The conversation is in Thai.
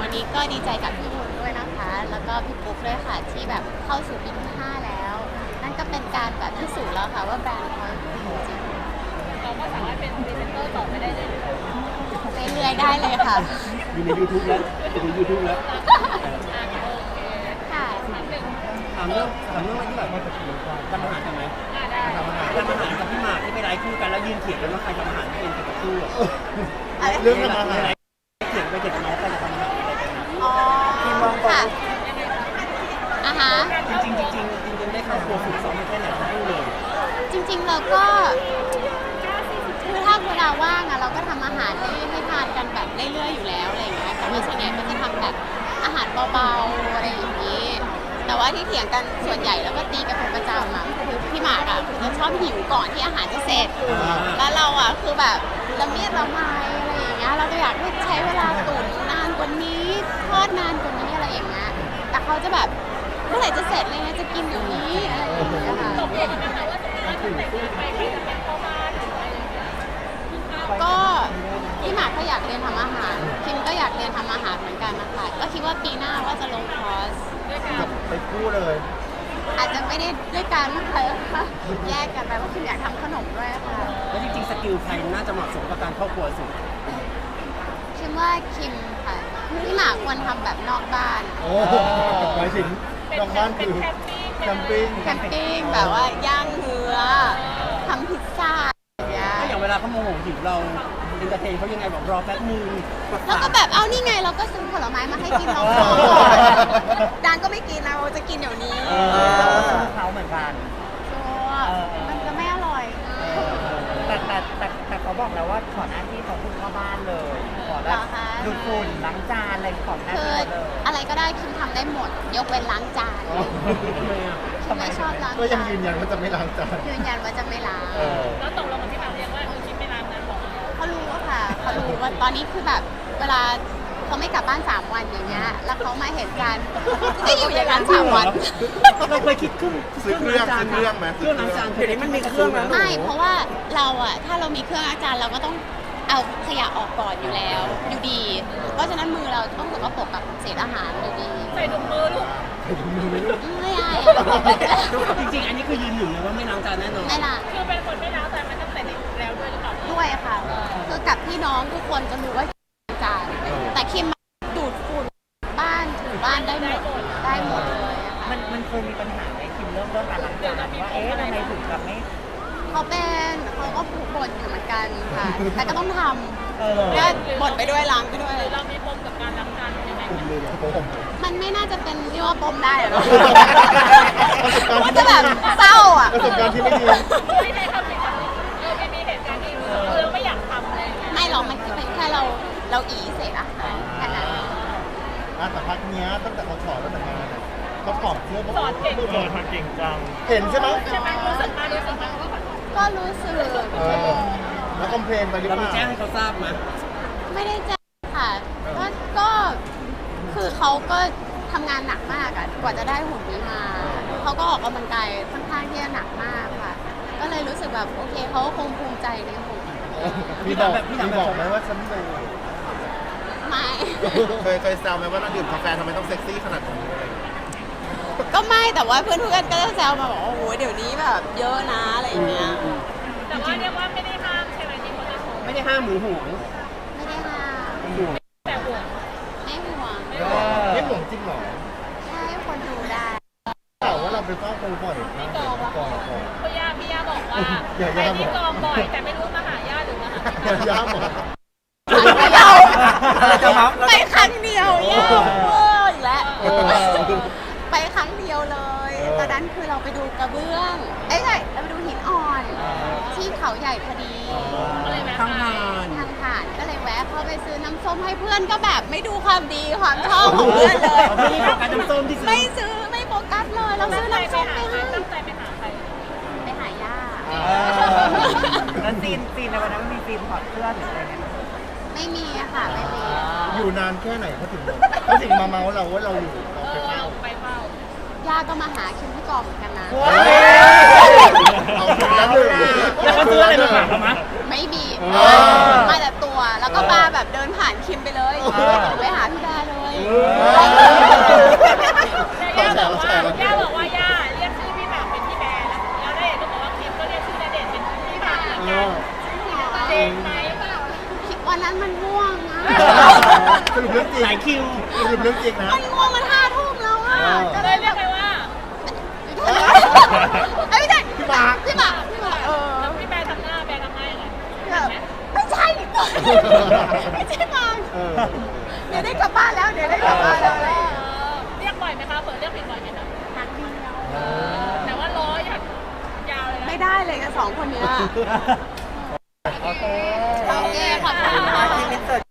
วันนี้ก็ดีใจกับพี่วุ้นด้วยนะคะแล้วก็พี่ปุ๊กด้วยค่ะที่แบบเข้าสู่ปีที่5แล้วนั่นก็เป็นการแบบพิสูจน์แล้วค่ะว่าแบรนด์เขาดีจริงเราก็สามารถเป็นพรีเซนเตอร์ต่อไปได้เรื่อยเรื่อยๆได้เลยค่ะอยู่ใน YouTube แล้วอยู่ใน YouTube แล้วค่ะถามเรื่องอะไรที่แบบมาจากทำอาหารกันไหมทำอาหารกับพี่หมากที่ไปไลฟ์คู่กันแล้วยืนเถียงกันว่าใครทำอาหารเป็นกับคู่เรื่องทำอาหารเถียงไปเถียงกันแล้วใครจะทำอาหารอะไรกันอ๋อค่ะจริงได้เข้าครัวฝึกซ้อมแค่ไหนทั้งคู่เลยจริงๆเราก็คือถ้าเวลาว่างอะเราก็ทำอาหารให้ทานกันแบบเรื่อยๆอยู่แล้วอะไรอย่างเงี้ยแต่ว่าส่วนใหญ่ก็จะทำแบบอาหารเบาๆอะไรอย่างนี้แต่ว่าที่เถียงกันส่วนใหญ่แล้วก็ตีกันเป็นประจำอะคือพี่หมากอะคือจะชอบหิวก่อนที่อาหารจะเสร็จแล้วเราอะคือแบบละเมียดละไมอะไรอย่างเงี้ยเราก็อยากให้ใช้เวลาตุ๋นนานกว่านี้ทอดนานกว่านี้อะไรอย่างเงี้ยแต่เขาจะแบบเมื่อไหร่จะเสร็จเลยจะกินอยู่นี้อะไรอย่างเงี้ยค่ะตกลงกันนะคะว่าสมมติว่าถ้าแต่งงานไปใครจะเป็นพ่อบ้านหรืออะไรอย่างเงี้ยก็พี่หมากก็อยากเรียนทำอาหารคิมก็อยากเรียนทำอาหารเหมือนกันนะคะก็คิดว่าปีหน้าว่าจะลงคอร์สไปคู่เลยอาจจะไม่ได้ด้วยกันนะคะแยกกันไปเพราะคิมอยากทำขนมด้วยค่ะแล้วจริงๆสกิลใครน่าจะเหมาะสมกับการเข้าครัวสุดคิมว่าคิมค่ะพี่หมากควรทำแบบนอกบ้านโอ้หมายถึงนอกบ้านคือแคมปิ้งแบบว่าย่างเนื้อทำพิซซ่าก็อย่างเวลาเขาโมโหหิวเราอินเตอร์เทนเขายังไงบอกรอแป๊บนึงแล้วก็แบบเอานี่ไงเราก็ซื้อผลไม้มาให้กินเราดานก็ไม่กินเราจะกินเดี๋ยวนี้เขาเหมือนกันมันจะไม่อร่อยแต่เขาบอกแล้วว่าขอหน้าที่ของคุณพ่อบ้านเลยขอแบบดูฝุ่นล้างจานอะไรขอหน้าที่เลยอะไรก็ได้คิมทำได้หมดยกเว้นล้างจานคิมไม่ชอบล้างก็ยังยืนยันว่าจะไม่ล้างจานยืนยันว่าจะไม่ล้างแล้วตกลงกับพี่หมากเรียกว่าคิมไม่ล้างนะบอกเขารู้ค่ะเขารู้ว่าตอนนี้คือแบบเวลาเขาไม่กลับบ้าน3 วันอย่างเงี้ยแล้วเขามาเห็นกันจะอยู่อย่างนั้น3 วันเราเคยคิดซื้อเครื่องไหมเครื่องล้างจานเดี๋ยวนี้มันมีเครื่องแล้วไม่เพราะว่าเราอะถ้าเรามีเครื่องล้างจานเราก็ต้องเอาขยะออกก่อนอยู่แล้วอยู่ดีเพราะฉะนั้นมือเราต้องสกปรกกับเศษอาหารอยู่ดีใส่ถุงมือลูกไม่ได้จริงๆอันนี้คือยืนหนึ่งเลยว่าไม่ล้างจานแน่นอนไม่ล้างคือเป็นคนไม่ล้างแต่มันตั้งแต่เด็กแล้วด้วยหรือเปล่าด้วยค่ะคือกับพี่น้องทุกคนจะรู้ว่าจานแต่คิมดูดฝุ่นบ้านถูบ้านได้หมดเลยมันเคยมีปัญหาไหมคิมเรื่องการล้างจานว่าทำไมถึงแบบไม่เขาก็ผูกบ่นอยู่เหมือนกันค่ะแต่ก็ต้องทำก็บ่นไปด้วยล้างไปด้วยเรามีปมกับการล้างจานยังไงมันไม่น่าจะเป็นเรียกว่าปมได้หรอกมันจะแบบเศร้าอ่ะประสบการณ์ที่ไม่ดีไม่ได้ทำเลยค่ะไม่มีเหตุการณ์ที่เราไม่อยากทำเลยไม่หรอกมันเป็นแค่เราอีเสร็จอะแค่นั้นแต่พักเนี้ยตั้งแต่เขาถอดแล้วแต่งงานเขาถอดเสื้อสอนเก่งจังเห็นใช่ไหมรู้สึกมาก็รู้สึกแล้วคอมเพลนไปหรือเปล่าเราแจ้งให้เขาทราบไหมไม่ได้แจ้งค่ะก็คือเขาก็ทำงานหนักมากอะกว่าจะได้หุ่นนี้มาเขาก็ออกกำลังกายค่อนข้างที่จะหนักมากค่ะก็เลยรู้สึกแบบโอเคเขาคงภูมิใจในหุ่นพี่บอกไหมว่าฉันเลยไม่เคยแซวไหมว่าเราดื่มกาแฟทำไมต้องเซ็กซี่ขนาดนี้ก็ไม่แต่ว่าเพื่อนก็จะแซวมาบอกโอ้โหเดี๋ยวนี้แบบเยอะนะอะไรอย่างเงี้ยแต่ว่าเรียกว่าไม่ได้ห้ามใช่ไหมที่เขาจะโชว์ไม่ได้ห้ามหรือห่วงไม่ได้ห้ามแต่ห่วงไม่ห่วงไม่ห่วงจริงหรอใช่คนดูได้แต่ว่าเราไปเฝ้าโคบ่อยพี่กองพี่ย่าบอกว่าไปที่กองบ่อยแต่ไม่รู้มาหาย่าหรือมาหาย่าบอกไปครั้งเดียวย่าอีกแล้วไปครั้งเดียวเลยตอนนั้นคือเราไปดูกระเบื้องใช่เราไปดูหินอ่อนที่เขาใหญ่พอดีทางผ่านก็เลยแวะเข้าไปซื้อน้ำส้มให้เพื่อนก็แบบไม่ดูความดีความชอบของเพื่อนเลยไม่โฟกัสน้ำส้มที่ซื้อไม่ซื้อไม่โฟกัสเลยเราซื้อน้ำส้มไปให้ตั้งใจไปหาใครไปหาย่าแล้วซีนในวันนั้นมีซีนถอดเสื้อหรืออะไรเนี่ยไม่มีอะค่ะไม่มีอยู่นานแค่ไหนเขาถึงมาเมาเราว่าเราอยู่ไปเฝ้าย่าก็มาหาคิมที่กองเหมือนกันนะเอาถึงแล้วแล้วเขาซื้ออะไรมาฝากเราไหมไม่มีมาแต่ตัวแล้วก็มาแบบเดินผ่านคิมไปเลยไปหาพี่ดาเลยคิวลืมเรื่องจริงนะมันง่วงมัน5 ทุ่มแล้วอ่ะก็เลเลย ยเรียกไปว่าเอ้ยไม่ใช่พี่หมากพี่หมากแล้วพี่แบร์ทำหน้าแบร์ทำหน้ายังไงไม่ใช่ไม่ใช่หมากเออเดี๋ยวได้กลับบ้านแล้วเดี๋ยวได้กลับบ้านแล้วเรียกบ่อยไหมคะเปิดเรียกผิดบ่อยไหมคะครั้งเดียวแต่ว่าล้ออย่างยาวเลยนะไม่ได้เลยกับ2 คนเนี้ยโอเคโอเคขอบคุณค่ะที่มิสเตอร์